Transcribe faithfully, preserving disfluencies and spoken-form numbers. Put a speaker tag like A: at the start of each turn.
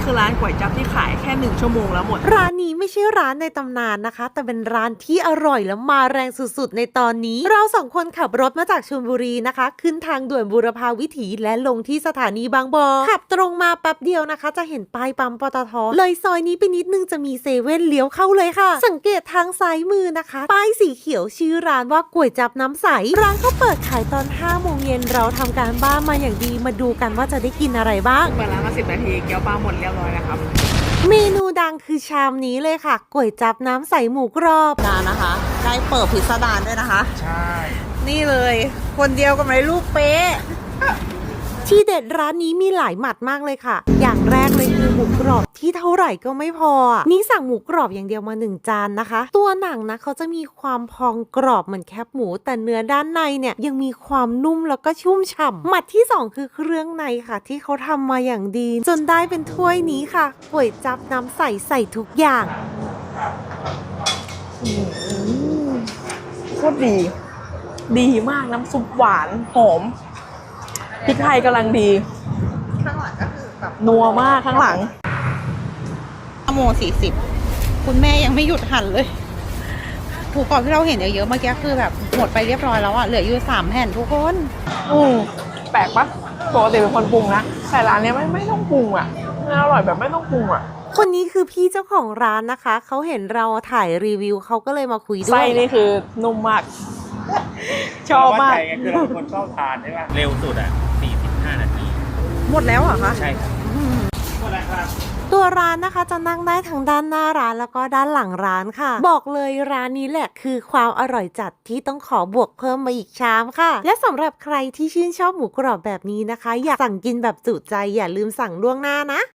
A: คือร้านก๋วยจั๊บที่ขายแค่หนึ่งชั่วโมงแล้วหมด
B: ร้านนี้ไม่ใช่ร้านในตำนานนะคะแต่เป็นร้านที่อร่อยและมาแรงสุดๆในตอนนี้เราสองคนขับรถมาจากชลบุรีนะคะขึ้นทางด่วนบูรพาวิถีและลงที่สถานีบางบอขับตรงมาแป๊บเดียวนะคะจะเห็นป้ายปั๊มปตทเลยซอยนี้ไปนิดนึงจะมีเซเว่นเลี้ยวเข้าเลยค่ะสังเกตทางซ้ายมือนะคะป้ายสีเขียวชื่อร้านว่าก๋วยจั๊บน้ำใสร้านเขาเปิดขายตอนห้าโมงเย็นเราทำการบ้านมาอย่างดีมาดูกันว่าจะได้กินอะไรบ้าง
A: เปิดร้านมาสิบนาทีเกี๊ยวปลาหมดเรียบร้อยแล้วครับ
B: เมนูดังคือชามนี้เลยค่ะก๋วยจั๊บน้ำใสหมูกรอบร้านนะคะได้เปิดพิสดารด้วยนะคะ
C: ใช่
B: นี่เลยคนเดียวกับในรูปเป๊ะที่เด็ดร้านนี้มีหลายหมัดมากเลยค่ะอย่างแรกเลยคือหมูกรอบที่เท่าไหร่ก็ไม่พอนี่สั่งหมูกรอบอย่างเดียวมาหนึ่งจานนะคะตัวหนังนะเขาจะมีความพองกรอบเหมือนแคบหมูแต่เนื้อด้านในเนี่ยยังมีความนุ่มแล้วก็ชุ่มฉ่ำหมัดที่สองคือเครื่องในค่ะที่เขาทำมาอย่างดีจนได้เป็นถ้วยนี้ค่ะก๋วยจั๊บน้ำใสใส่ทุกอย่าง
A: โคตรดีดีมากน้ำซุปหวานหอมพริกไทยกำลังดีข้างหลังก็คือแบบนัวมากข้างหลัง
B: โมสี่สิบคุณแม่ยังไม่หยุดหั่นเลยถูกกรอบที่เราเห็นเยอะๆเมื่อกี้คือแบบหมดไปเรียบร้อยแล้วอะเหลืออยู่สามแผ่นทุกคน
A: อืมแปลกปะปกติเป็นคนปรุงนะแต่ร้านนี้ไม่ไม่ต้องปรุงอ่ะมันอร่อยแบบไม่ต้องปรุงอ่ะ
B: คนนี้คือพี่เจ้าของร้านนะคะเขาเห็นเราถ่ายรีวิวเขาก็เลยมาคุยด้วย
A: ไส้นี่คือนุ่มมากชอบมาก
C: คือเราคนชอบทานใช่ไหมเร็วสุดอ่ะสี่สิบห้านาที
B: หมดแล้วเหรอคะ
C: ใช่ครับหมดแล้วครับ
B: ตัวร้านนะคะจะนั่งได้ทั้งด้านหน้าร้านแล้วก็ด้านหลังร้านค่ะบอกเลยร้านนี้แหละคือความอร่อยจัดที่ต้องขอบวกเพิ่มมาอีกชามค่ะและสำหรับใครที่ชื่นชอบหมูกรอบแบบนี้นะคะอยากสั่งกินแบบจุใจอย่าลืมสั่งล่วงหน้านะ